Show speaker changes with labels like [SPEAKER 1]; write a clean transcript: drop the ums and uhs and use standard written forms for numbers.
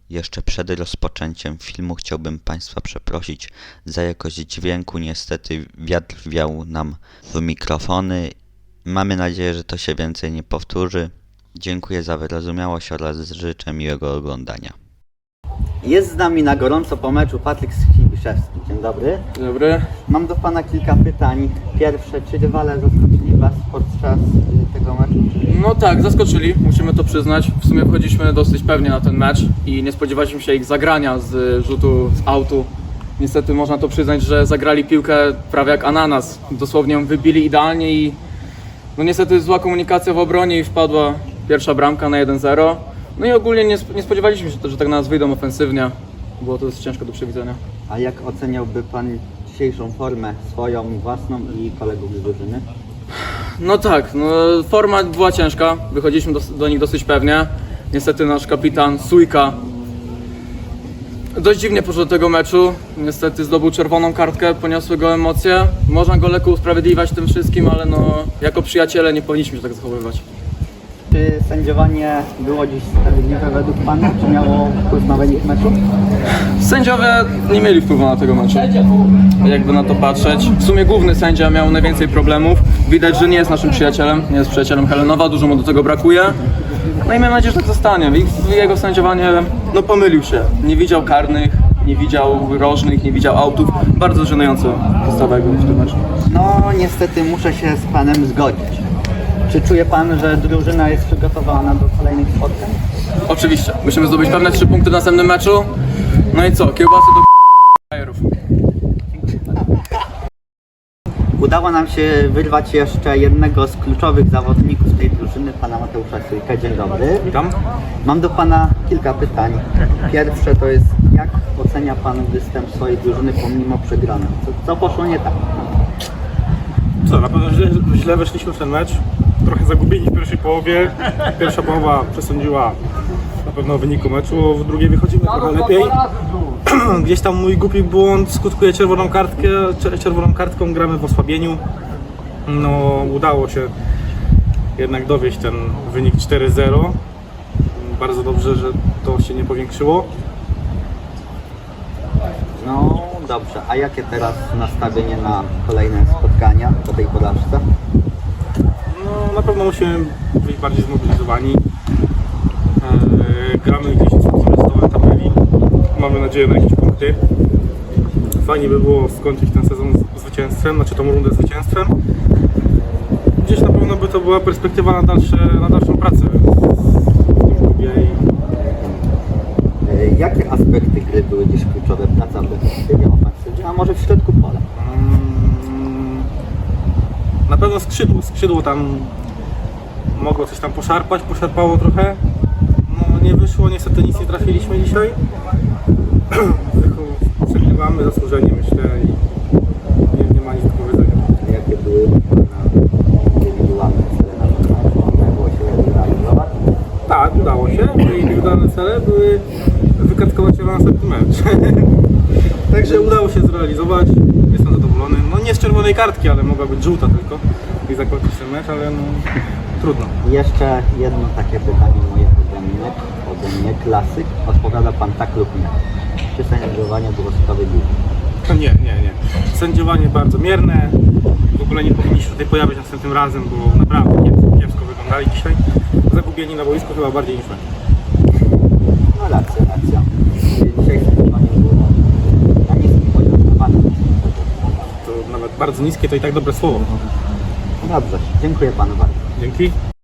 [SPEAKER 1] Jeszcze przed rozpoczęciem filmu chciałbym Państwa przeprosić za jakość dźwięku. Niestety wiatr wiał nam w mikrofony. Mamy nadzieję, że to się więcej nie powtórzy. Dziękuję za wyrozumiałość oraz życzę miłego oglądania.
[SPEAKER 2] Jest z nami na gorąco po meczu Patryk Skibiszewski. Dzień dobry.
[SPEAKER 3] Dzień dobry.
[SPEAKER 2] Mam do Pana kilka pytań. Pierwsze, czy rywale zaskoczyli Was podczas tego meczu?
[SPEAKER 3] No tak, zaskoczyli, musimy to przyznać. W sumie wchodziliśmy dosyć pewnie na ten mecz i nie spodziewaliśmy się ich zagrania z rzutu z autu. Niestety można to przyznać, że zagrali piłkę prawie jak ananas. Dosłownie ją wybili idealnie i no niestety zła komunikacja w obronie i wpadła pierwsza bramka na 1-0. No i ogólnie nie spodziewaliśmy się, że tak na nas wyjdą ofensywnie. Było to dosyć ciężko do przewidzenia.
[SPEAKER 2] A jak oceniałby Pan dzisiejszą formę swoją, własną i kolegów z drużyny?
[SPEAKER 3] No tak, no, forma była ciężka, wychodziliśmy do nich dosyć pewnie. Niestety nasz kapitan Sujka dość dziwnie poszedł do tego meczu. Niestety zdobył czerwoną kartkę, poniosły go emocje. Można go lekko usprawiedliwiać tym wszystkim, ale no, jako przyjaciele nie powinniśmy się tak zachowywać.
[SPEAKER 2] Czy sędziowanie było dziś sprawiedliwe według Pana? Czy miało wpływ na wynik meczu?
[SPEAKER 3] Sędziowie nie mieli wpływu na tego meczu, jakby na to patrzeć. W sumie główny sędzia miał najwięcej problemów. Widać, że nie jest naszym przyjacielem, nie jest przyjacielem Helenowa, dużo mu do tego brakuje. No i mam nadzieję, że tak zostanie. Jego sędziowanie, no pomylił się. Nie widział karnych, nie widział rożnych, nie widział autów. Bardzo żenująco postawę w tym meczu.
[SPEAKER 2] No niestety muszę się z Panem zgodzić. Czy czuje Pan, że drużyna jest przygotowana do kolejnych spotkań?
[SPEAKER 3] Oczywiście, musimy zdobyć pewne 3 punkty w następnym meczu. No i co, kiełbasy do bajerów.
[SPEAKER 2] Udało nam się wyrwać jeszcze jednego z kluczowych zawodników tej drużyny, Pana Mateusza Sujkę. Dzień dobry.
[SPEAKER 4] Witam.
[SPEAKER 2] Mam do Pana kilka pytań. Pierwsze to jest, jak ocenia Pan występ swojej drużyny pomimo przegranej? Co poszło nie tak?
[SPEAKER 4] Co, na pewno źle weszliśmy w ten mecz. Trochę zagubieni w pierwszej połowie. Pierwsza połowa przesądziła na pewno o wyniku meczu, w drugiej wychodzimy trochę lepiej. Gdzieś tam mój głupi błąd skutkuje czerwoną kartką, gramy w osłabieniu. No, udało się jednak dowieść ten wynik 4-0. Bardzo dobrze, że to się nie powiększyło.
[SPEAKER 2] No dobrze, a jakie teraz nastawienie na kolejne spotkania po tej porażce?
[SPEAKER 4] No, na pewno musimy być bardziej zmobilizowani. Gramy gdzieś z dołem tabeli. Mamy nadzieję na jakieś punkty. Fajnie by było skończyć ten sezon zwycięstwem, znaczy tą rundę zwycięstwem. Gdzieś na pewno by to była perspektywa na dalszą pracę w tym klubie.
[SPEAKER 2] Jakie aspekty gry były dziś kluczowe? Praca w defensywie, ofensywie, a może w środku pola?
[SPEAKER 4] Na pewno skrzydło tam mogło coś tam poszarpało trochę. No nie wyszło, niestety nic nie trafiliśmy dzisiaj. Przegrywamy zasłużenie, myślę, i nie ma nic do powiedzenia.
[SPEAKER 2] Jakie były Pana indywidualne cele na ten mecz? Udało się realizować?
[SPEAKER 4] Tak, udało się. Moje indywidualne cele były wykartkować się na następny mecz. Także udało się zrealizować. Jestem zadowolony. No nie z czerwonej kartki, ale mogła być żółta tylko i zakończyć ten mecz, ale no trudno.
[SPEAKER 2] Jeszcze jedno takie pytanie moje ode mnie, klasyk. Odpowiada Pan tak lub nie? Czy sędziowanie było sprawiedliwe?
[SPEAKER 4] Nie. Sędziowanie bardzo mierne. W ogóle nie powinni się tutaj pojawić następnym razem, bo naprawdę kiepsko wyglądali dzisiaj. Zagubieni na boisku chyba bardziej niż my.
[SPEAKER 2] No racja. Dzisiaj sędziowanie było na niskim poziomie, na bardzo niskim poziomie.
[SPEAKER 4] To nawet bardzo niskie to i tak dobre słowo.
[SPEAKER 2] Dobrze, dziękuję Panu bardzo.
[SPEAKER 4] Dzięki.